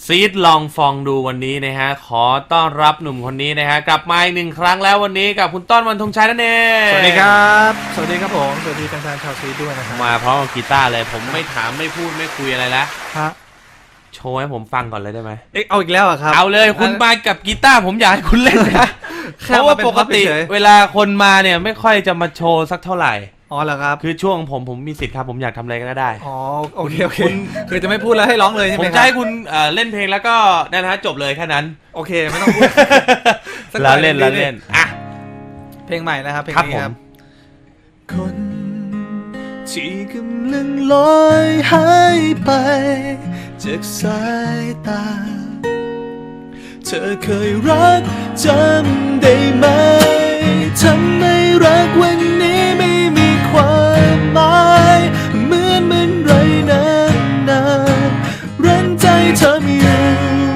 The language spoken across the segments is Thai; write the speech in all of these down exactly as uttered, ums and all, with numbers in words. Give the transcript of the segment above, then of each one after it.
ซีดลองฟองดูวันนี้นะฮะขอต้อนรับหนุ่มคนนี้นะฮะกลับมาอีกหนึ่งครั้งแล้ววันนี้กับคุณต้นวันธงชัยนั่นเองสวัสดีครับสวัสดีครับผมสวัสดีแฟนๆชาวซีดด้วยนะครับมาพร้อมกับกีตาร์เลยผมไม่ถามไม่พูดไม่คุยอะไรแล้วฮะโชว์ให้ผมฟังก่อนเลยได้ไหมเอ๊ะเอาอีกแล้วอ่ะครับเอาเลยคุณมากับกีตาร์ผมอยากให้คุณเล่นนะเพราะว่าปกติเวลาคนมาเนี่ยไม่ค่อยจะมาโชว์สักเท่าไหร่อ๋อเหรอครับคือช่วงผมผมมีสิทธิ์ครับผมอยากทำอะไรก็ได้อ๋อโอเคโอเคคือจะไม่พูดแล้วให้ร้องเลยใช่ไหมผมจะให้คุณเล่นเพลงแล้วก็นั่นฮะจบเลยแค่นั้นโอเคไม่ต้องพูดแล้วเล่นแล้วเล่นอ่ะเพลงใหม่นะครับเพลงนี้ครับคนที่กำลังลอยหายไปจากสายตาเธอเคยรักจำได้ไหมทำไมรักวันนี้ไม่มีความหมายเหมือนมันไรนั้นนานรั้งใจเธอไม่อยู่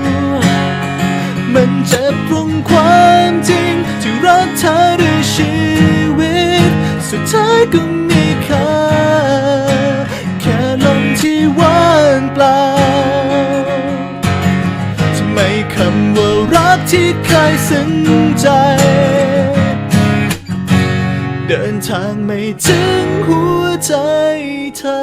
มันเจ็บตรงความจริงที่รักเธอด้วยชีวิตสุดท้ายก็มีค่าแค่ลมที่ว่างเปล่าทำไมคำว่ารักที่เคยซึ้งใจเดินทางไม่ถึงหัวใจเธอ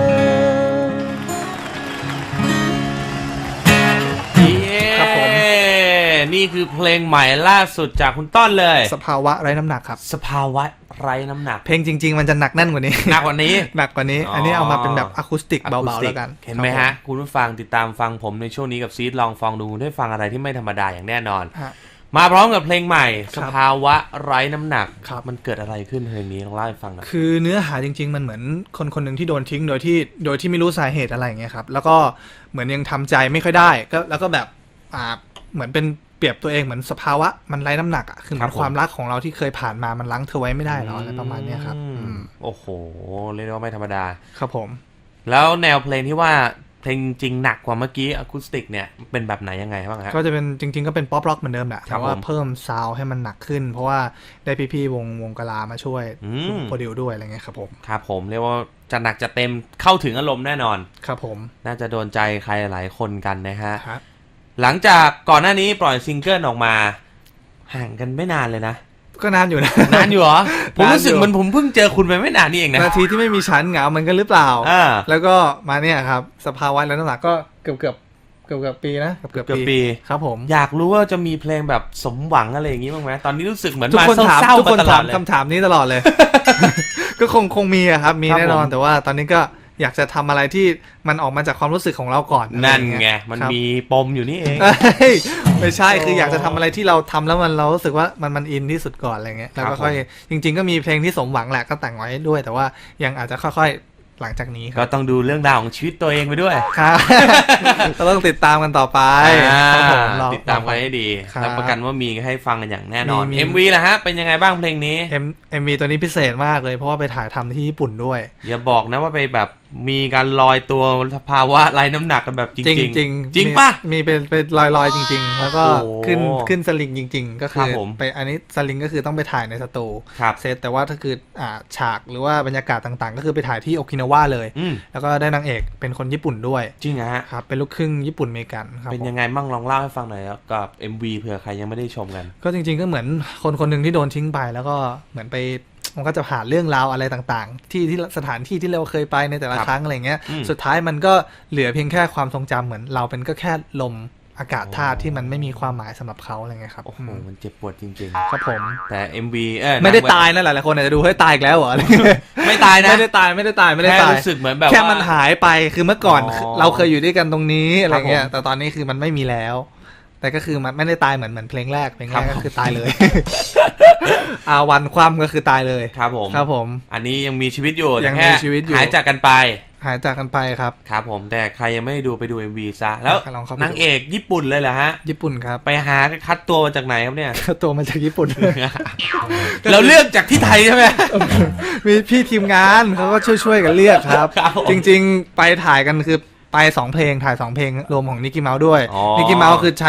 ครับผมนี่คือเพลงใหม่ล่าสุดจากคุณต้นเลยสภาวะไร้น้ำหนักครับสภาวะไร้น้ำหนักเพลงจริงๆมันจะหนักแน่นกว่านี้หนักกว่านี้หนักกว่านี้อันนี้เอามาเป็นแบบอะคูสติกเบาๆแล้วกันเห็นไหมฮะคุณผู้ฟังติดตามฟังผมในช่วงนี้กับซีดลองฟังดูได้ฟังอะไรที่ไม่ธรรมดาอย่างแน่นอนมาพร้อมกับเพลงใหม่สภาวะไร้น้ำหนักมันเกิดอะไรขึ้นเพลงนี้ลองเล่าให้ฟังหน่อยคือเนื้อหาจริงๆมันเหมือนคนคนหนึ่งที่โดนทิ้งโดยที่โดยที่ไม่รู้สาเหตุอะไรอย่างเงี้ยครับแล้วก็เหมือนยังทำใจไม่ค่อยได้ก็แล้วก็แบบอ่าเหมือนเป็นเปรียบตัวเองเหมือนสภาวะมันไร้น้ำหนักอ่ะคือความรักของเราที่เคยผ่านมามันล้างเธอไว้ไม่ได้แล้วอะไรประมาณนี้ครับโอ้โหเรียกว่าไม่ธรรมดาครับผมแล้วแนวเพลงที่ว่าเพลงจริงหนักกว่าเมื่อกี้อะคูสติกเนี่ยเป็นแบบไหนยังไงบ้างครับก็จะเป็นจริงๆก็เป็นป๊อปร็อกเหมือนเดิมแหละแต่ว่าเพิ่มซาวด์ให้มันหนักขึ้นเพราะว่าได้พี่ๆวงวงกลามาช่วยโปรดิวด้วยอะไรเงี้ยครับผมครับผมเรียกว่าจะหนักจะเต็มเข้าถึงอารมณ์แน่นอนครับผมน่าจะโดนใจใครหลายคนกันนะฮะหลังจากก่อนหน้านี้ปล่อยซิงเกิลออกมาห่างกันไม่นานเลยนะก็นานอยู่นะนานอยู่เหรอผมรู้สึกมันผมเพิ่งเจอคุณไปไม่นานนี่เองนะนาทีที่ไม่มีชั้นเหงามันกันหรือเปล่าแล้วก็มาเนี่ยครับสภาวะแล้วน้ำหนักก็เกือบเกือบเกือบเกือบปีนะเกือบเกือบปีครับผมอยากรู้ว่าจะมีเพลงแบบสมหวังอะไรอย่างนี้บ้างไหมตอนนี้รู้สึกเหมือนมาเศร้าๆทุกคนถามคำถามนี้ตลอดเลยก็คงคงมีครับมีแน่นอนแต่ว่าตอนนี้ก็อยากจะทำอะไรที่มันออกมาจากความรู้สึกของเราก่อนนั่นไงมันมีปมอยู่นี่เองไม่ใช่คืออยากจะทำอะไรที่เราทำแล้วมันเรารู้สึกว่ามันมันอินที่สุดก่อนอะไรเงี้ยแล้วก็ค่อยจริงๆก็มีเพลงที่สมหวังแหละก็แต่งไว้ด้วยแต่ว่ายังอาจจะค่อยๆหลังจากนี้ก็ต้องดูเรื่องราวของชีวิตตัวเองไปด้วยครับก็ต้องติดตามกันต่อไปติดตามกันให้ดีรับประกันว่ามีให้ฟังกันอย่างแน่นอน เอ็ม วี ล่ะฮะเป็นยังไงบ้างเพลงนี้เอ็ม วี ตัวนี้พิเศษมากเลยเพราะว่าไปถ่ายทำที่ญี่ปุ่นด้วยอย่าบอกนะว่าไปแบบมีการลอยตัวสภาวะไร้น้ำหนักกันแบบจริงจริงจริงจริงป่ะมีเป็นเป็นลอยลอยจริงๆแล้วก็ขึ้นขึ้นสลิงจริงๆก็คือไปอันนี้สลิงก็คือต้องไปถ่ายในสตูเซตแต่ว่าถ้าคืออ่าฉากหรือว่าบรรยากาศต่างๆก็คือไปถ่ายที่โอกินาวาเลยแล้วก็ได้นางเอกเป็นคนญี่ปุ่นด้วยจริงฮะครับเป็นลูกครึ่งญี่ปุ่นอเมริกันครับเป็นยังไงมั่งลองเล่าให้ฟังหน่อยกับ เอ็ม วี เผื่อใครยังไม่ได้ชมกันก็จริงๆก็เหมือนคนคนหนึ่งที่โดนทิ้งไปแล้วก็เหมือนไปมันก็จะผ่านเรื่องราวอะไรต่างๆที่ที่สถานที่ที่เราเคยไปในแต่ละครั้งอะไรเงี้ยสุดท้ายมันก็เหลือเพียงแค่ความทรงจำเหมือนเราเป็นก็แค่ลมอากาศธาตุที่มันไม่มีความหมายสำหรับเขาอะไรเงี้ยครับโอ้โหมันเจ็บปวดจริงๆครับผมแต่ เอ็ม วี เออไม่ได้ตายนะหลายๆคนอาจจะดูให้ตายอีกแล้วเหรอไม่ตายนะไม่ได้ตายไม่ได้ตายไม่ได้ตายแค่รู้สึกเหมือนแบบแค่มันหายไปคือเมื่อก่อนเราเคยอยู่ด้วยกันตรงนี้อะไรเงี้ยแต่ตอนนี้คือมันไม่มีแล้วแต่ก็คือมันไม่ได้ตายเหมือนเหมือนเพลงแรกเพลงแรกก็คือตายเลยอาวันความก็คือตายเลยครับผมครับผมอันนี้ยังมีชีวิตอยู่ยังมีชีวิตอยู่หายจากกันไปหายจากกันไปครับครับผมแต่ใครยังไม่ดูไปดู เอ็ม วี ซะแล้วนางเอกญี่ปุ่นเลยเหรอฮะญี่ปุ่นครับไปหาคัดตัวมาจากไหนครับเนี่ยคัดตัวมาจากญี่ปุ่นเราเลือกจากที่ไทยใช่ไหมมีพี่ทีมงานเขาก็ช่วยๆกันเลือกครับจริงๆไปถ่ายกันคือไปสองเพลงถ่ายสองเพลงรวมของนิกกี้เมาส์ด้วยนิกกี้เมาส์คือใช้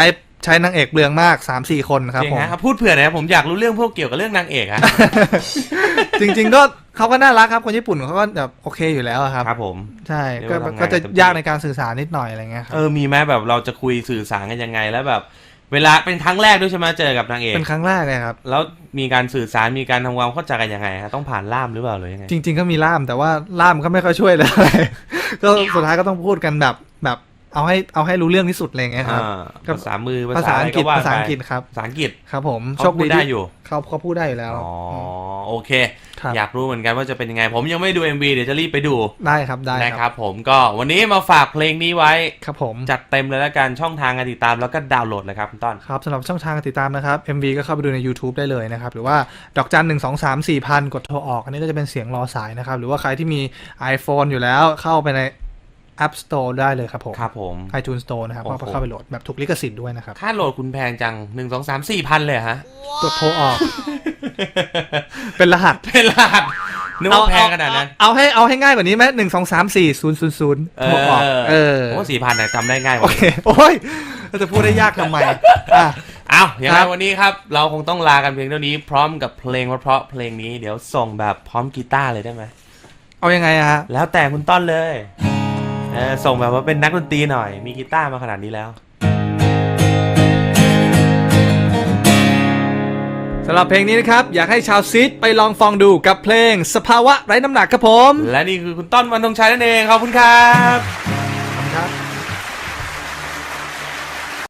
ใช้นางเอกเปลืองมาก สามสี่ คนครับผมพูดเผื่อนะผมอยากรู้เรื่องพวกเกี่ยวกับเรื่องนางเอกอะจริงๆก็เขาก็น่ารักครับคนญี่ปุ่นเขาก็แบบโอเคอยู่แล้วครับครับผมใช่ก็ก็จะยากในการสื่อสารนิดหน่อยอะไรเงี้ยครับเออมีไหมแบบเราจะคุยสื่อสารกันยังไงแล้วแบบเวลาเป็นครั้งแรกด้วยใช่ไหมเจอกับนางเอกเป็นครั้งแรกเลยครับแล้วมีการสื่อสารมีการทำความเข้าใจกันยังไงฮะต้องผ่านล่ามหรือเปล่าหรือยังไงจริงๆก็มีล่ามแต่ว่าล่ามก็ไม่ค่อยช่วยเลยก็สุดท้ายก็ต้องพูดกันแบบแบบเอาให้เอาให้รู้เรื่องที่สุดอะไรเงี้ยครับภาษามือภาษาอังกฤษภาษาอังกฤษครับภาษาอังกฤษครับผมโชคดีได้อยู่เขาเขาพูดได้อยู่แล้วอ๋อโอเคอยากรู้เหมือนกันว่าจะเป็นยังไงผมยังไม่ดู เอ็ม วี เดี๋ยวจะรีบไปดูได้ครับได้นะครับผมก็วันนี้มาฝากเพลงนี้ไว้ครับผมจัดเต็มเลยแล้วกันช่องทางการติดตามแล้วก็ดาวน์โหลดเลยครับคุณต้นครับสำหรับช่องทางการติดตามนะครับ เอ็ม วี ก็เข้าไปดูใน YouTube ได้เลยนะครับหรือว่าดอกจันหนึ่งสองสามสี่พันกดโทรออกอันนี้ก็จะเป็นเสียงรอสายนะครับหรือว่าใครที่มี iPhone อยู่แล้วเข้าไปในApp Store ได้เลยครับผมครับผม iTunes Store นะครับก็เข้าไปโหลดแบบถูกลิขสิทธิ์ด้วยนะครับค่าโหลดคุณแพงจังหนึ่ง สอง สาม สี่พันเลยฮะตัวโทรออกเป็นรหัสเป็นรหัสนึกว่าแพงขนาดนั้นเอาให้เอาให้ง่ายกว่านี้ไหมหนึ่งสองสามสี่ศูนย์ศูนย์ศูนย์โทรออกเออโอ้สี่พันนะจำได้ง่ายโอเคโอ้ยจะพูดได้ยากทำไมอ่ะเอาอย่างไรวันนี้ครับเราคงต้องลากันเพียงเท่านี้พร้อมกับเพลงเพราะเพลงนี้เดี๋ยวส่งแบบพร้อมกีตาร์เลยได้ไหมเอายังไงอะฮะแล้วแต่คุณต้นเลยส่งแบบว่าเป็นนักดนตรีหน่อยมีกีตาร์มาขนาดนี้แล้วสำหรับเพลงนี้นะครับอยากให้ชาวซีดไปลองฟังดูกับเพลงสภาวะไร้น้ำหนักครับผมและนี่คือคุณต้น วรรณธงชัยนั่นเองขอบคุณครับ